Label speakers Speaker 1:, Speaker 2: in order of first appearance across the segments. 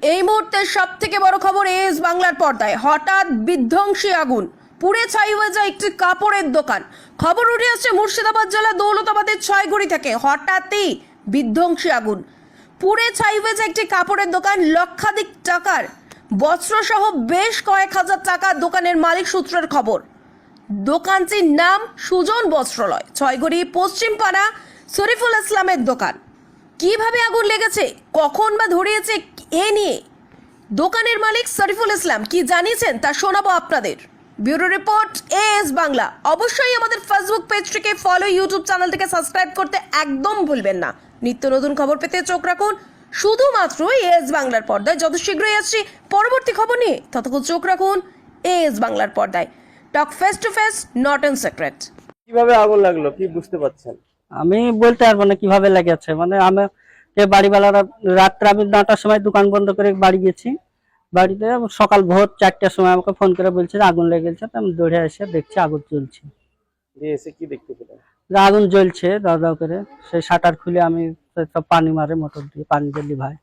Speaker 1: এই মুহূর্তে সবথেকে বড় খবর এস বাংলার পর্দায় হঠাৎ বিধ্বংসী আগুন পুড়ে ছাই হয়ে যায় একটি কাপড়ের দোকান। খবর উঠে আসছে মুর্শিদাবাদ জেলা দৌলতাবাদের ছয়গুড়ি থেকে। হঠাৎই বিধ্বংসী আগুন পুড়ে ছাই হয়ে যায় একটি কাপড়ের দোকান। লক্ষাধিক টাকার বস্ত্র সহ বেশ কয়েক হাজার টাকা দোকানের মালিক সূত্রের খবর। দোকানটির নাম সুজন বস্ত্রালয়, ছয়গুড়ি পশ্চিমপাড়া শরীফুল ইসলামের দোকান। কিভাবে আগুন লেগেছে, কখন বা ধরিয়েছে, এ নিয়ে দোকানের মালিক শরীফুল ইসলাম কি জানিয়েছেন তা শোনাবো আপনাদের। Bureau report S Bangla. অবশ্যই আমাদের ফেসবুক পেজটিকে ফলো, ইউটিউব চ্যানেলটিকে সাবস্ক্রাইব করতে একদম ভুলবেন না। নিত্য নতুন খবর পেতে চোখ রাখুন শুধুমাত্র এস বাংলার পর্দায়। যত শীঘ্রই আসছি পরবর্তী খবর নিয়ে, ততক্ষণ চোখ রাখুন এস বাংলার পর্দায়। Talk face to face, not in secret.
Speaker 2: কিভাবে আগুন লাগলো কি বুঝতে পারছেন?
Speaker 3: আমি বলতে পারবো না কিভাবে লেগেছে। মানে আমি বাড়িওয়ালারা রাত্রে আমি 9টার সময় দোকান বন্ধ করে বাড়ি গেছি। বাড়িতে সকাল ভোর 4টার সময় আমাকে ফোন করে বলছে যে আগুন লেগে গেছে। আমি দৌড়ে এসে দেখছি আগুন জ্বলছে।
Speaker 2: দিয়ে এসে কি দেখতে পেলেন?
Speaker 3: যে আগুন জ্বলছে দাও দাও করে। সেই শাটার খুলে আমি সব পানি মারে, মোটর দিয়ে পানি দিলি ভাই।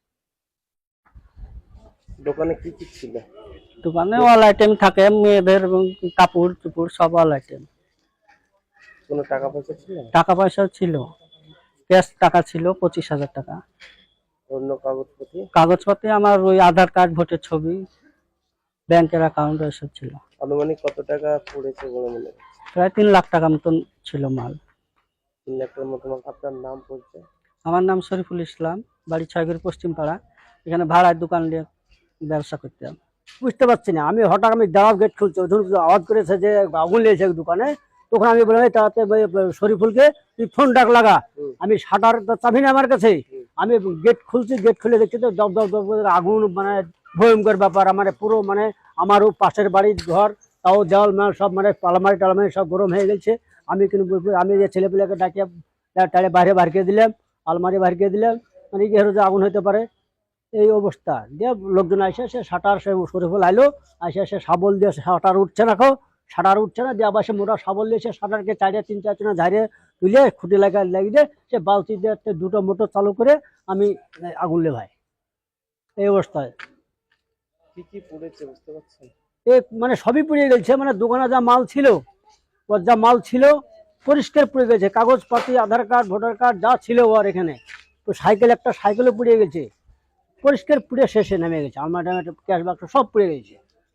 Speaker 2: দোকানে কি কি ছিল?
Speaker 3: দোকানে অল আইটেম থাকে, মেয়েদের এবং কাপড় চুপড় সব অল আইটেম।
Speaker 2: কোনো টাকা পয়সা ছিল?
Speaker 3: টাকা পয়সাও ছিল, ক্যাশ টাকা ছিল 25,000 টাকা।
Speaker 2: অন্য কাগজপত্র?
Speaker 3: কাগজপত্রে আমার ওই আধার কার্ড, ভোটের ছবি, ব্যাংকের অ্যাকাউন্ট এসব ছিল।
Speaker 2: আনুমানিক কত টাকা পড়েছে বলে মনে হচ্ছে?
Speaker 3: প্রায় 3 লাখ টাকা মতন ছিল মাল।
Speaker 2: 3 লাখ টাকার মতো। আপনার নাম পরিচয়?
Speaker 3: আমার নাম শরীফুল ইসলাম, বাড়ি ছয়গুড়ি পশ্চিমপাড়া। এখানে ভাড়ার দোকান নিয়ে ব্যবসা করতাম।
Speaker 4: বুঝতে পারছি না, আমি হঠাৎ আমি দাঁড়াও গেট খুলছি, ধরুন আওয়াজ করেছে যে আগুন লেগেছে দোকানে। তখন আমি বললাম তাতে শরীফুলকে তুই ফোন ডাক লাগা। আমি শাটার চাবি না আমার কাছে, আমি গেট খুলছি, গেট খুলে দেখছি তো দপ দপ দপ করে আগুন। মানে ভয়ঙ্কর ব্যাপার। মানে পুরো মানে আমারও পাশের বাড়ির ঘর, তাও দেওয়াল মাল সব মানে আলমারি টালমারি সব গরম হয়ে গেছে। আমি কিন্তু আমি যে ছেলেপিলেকে ডাকিয়ে টাড়ে বাইরে বার করে দিলাম, আলমারি বার করে দিলাম। মানে কি হলো যে আগুন হইতে পারে এই অবস্থা। দিয়ে লোকজন আসে, সে শাটার, সে শরীফুল আইলো, আসে সে শাবল দিয়ে শাটার উঠছে না, শাটার উঠছে না, দিয়ে আবার সে মোটা শাবল দিয়ে সে শাটারকে তিন চারজনে ঝাড়িয়ে তুলে খুঁটি লাগিয়ে সে বালতি দিয়ে 2টো মোটর চালু করে আমি আগুন লেভাই। এই অবস্থায়
Speaker 2: কি কি পড়েছে বুঝতে পারছেন?
Speaker 4: মানে সবই পুড়িয়ে গেছে। মানে দোকানে যা মাল ছিল, ওর যা মাল ছিল পরিষ্কার পুড়ে গেছে। কাগজপাতি, আধার কার্ড, ভোটার কার্ড যা ছিল ওর এখানে। তো একটা সাইকেলও পুড়িয়ে গেছে, পরিষ্কার পুড়ে শেষে নেমে গেছে। আমার ক্যাশ বাক্স সব পুড়ে গেছে।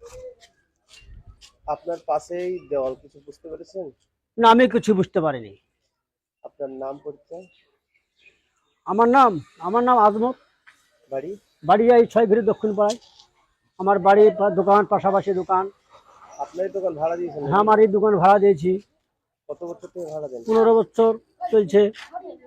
Speaker 2: আপনার পাশেই দেওয়াল, কিছু বুঝতে পেরেছেন?
Speaker 4: না, আমি কিছু বুঝতে পারিনি।
Speaker 2: আপনার নাম পরিচয়?
Speaker 4: আমার নাম আজমত।
Speaker 2: বাড়ি?
Speaker 4: এই ছয়গুড়ি দক্ষিণ পাড়ায় আমার বাড়ি। দোকান পাশাপাশি দোকান।
Speaker 2: আপনার দোকান ভাড়া দিয়েছেন?
Speaker 4: হ্যাঁ, আমার এই দোকান ভাড়া দিয়েছি।
Speaker 2: কত বছর থেকে ভাড়া দেন?
Speaker 4: 15 বছর চলছে।